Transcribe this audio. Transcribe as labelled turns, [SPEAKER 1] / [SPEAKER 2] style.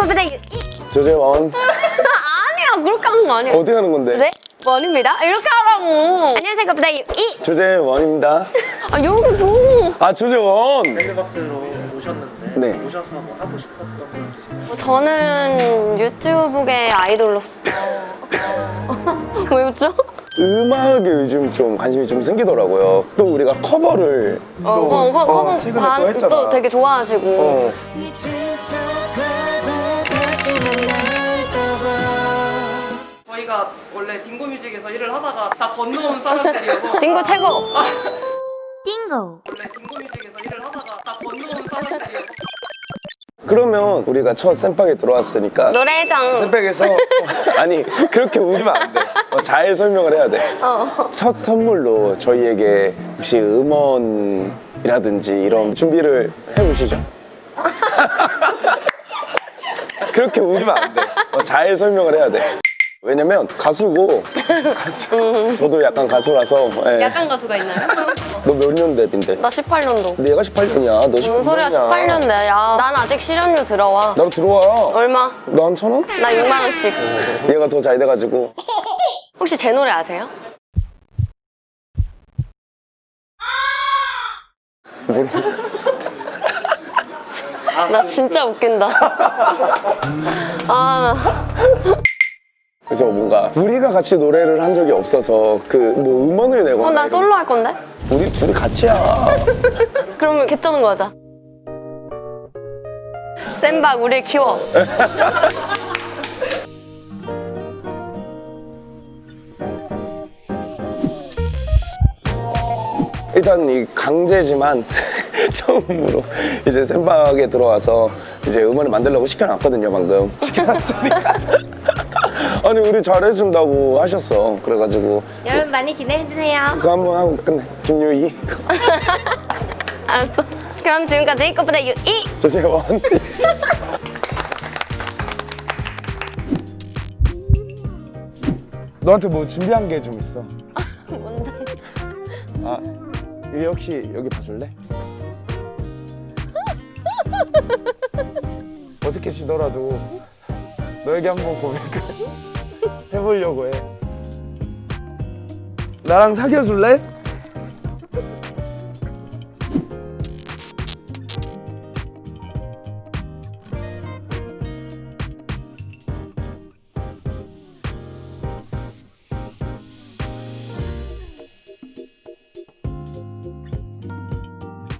[SPEAKER 1] 생각보다
[SPEAKER 2] 조재원.
[SPEAKER 1] 아니야, 그렇게 하는 거 아니야.
[SPEAKER 2] 어떻게 하는 건데?
[SPEAKER 1] 네? 원입니다. 이렇게 하라고. 안녕하세요, 생각보다
[SPEAKER 2] 조재원입니다.
[SPEAKER 1] 아, 여기 줘.
[SPEAKER 2] 아, 조재원.
[SPEAKER 3] 밴드박스로 오셨는데
[SPEAKER 2] 네.
[SPEAKER 3] 오셔서 뭐 하고 싶었던 거 있으신가요?
[SPEAKER 1] 저는 유튜브계 아이돌로서 왜 웃죠?
[SPEAKER 2] 음악에 요즘 좀 관심이 좀 생기더라고요. 또 우리가 커버를
[SPEAKER 1] 커버
[SPEAKER 2] 최근에 또 했잖아.
[SPEAKER 1] 또 되게 좋아하시고.
[SPEAKER 2] 어.
[SPEAKER 4] 저희가 원래 딩고뮤직에서 일을 하다가 다 건너온 사람들이어서
[SPEAKER 1] 딩고 최고.
[SPEAKER 4] 원래 딩고뮤직에서 일을 하다가 다 건너온 사람들이어서
[SPEAKER 2] 그러면 우리가 첫 쌤빵에 들어왔으니까
[SPEAKER 1] 노래장.
[SPEAKER 2] 쌤빵에서 아니 그렇게 우기면 안 돼. 잘 설명을 해야 돼. 첫 선물로 저희에게 혹시 음원이라든지 이런 준비를 해보시죠. 그렇게 우기면 안 돼. 잘 설명을 해야 돼. 왜냐면 가수고 저도 약간 가수라서. 예.
[SPEAKER 1] 약간 가수가 있나요?
[SPEAKER 2] 너 몇 년 데뷔인데?
[SPEAKER 1] 나 18년도.
[SPEAKER 2] 내가 18년이야. 너 19년이야.
[SPEAKER 1] 무슨 소리야, 18년대. 야, 난 아직 실현료 들어와.
[SPEAKER 2] 나도 들어와.
[SPEAKER 1] 얼마?
[SPEAKER 2] 너 한 1,000원?
[SPEAKER 1] 나 6만 원씩.
[SPEAKER 2] 얘가 더 잘 돼가지고.
[SPEAKER 1] 혹시 제 노래 아세요? 나 진짜 웃긴다. 아,
[SPEAKER 2] 그래서 뭔가 우리가 같이 노래를 한 적이 없어서 그 뭐 음원을 내거나
[SPEAKER 1] 난
[SPEAKER 2] 이런-
[SPEAKER 1] 솔로 할 건데?
[SPEAKER 2] 우리 둘이 같이야.
[SPEAKER 1] 그러면 개쩌는 거 하자. 센박 우리 키워.
[SPEAKER 2] 일단 이 강제지만 처음으로 이제 쌤박에 들어와서 이제 음원을 만들려고 시켜놨거든요. 방금 시켜놨으니까 아니 우리 잘해준다고 하셨어. 그래가지고
[SPEAKER 1] 여러분 많이 기대해주세요.
[SPEAKER 2] 그거 한번 하고 끝내. 김유희
[SPEAKER 1] 알았어. 그럼 지금까지 이것보다 유이.
[SPEAKER 2] 조재원. 너한테 뭐 준비한 게 좀 있어.
[SPEAKER 1] 뭔데?
[SPEAKER 2] 아, 이게 혹시 여기 봐줄래? 어색해지더라도 너에게 한번 고백을 해보려고 해. 나랑 사귀어줄래?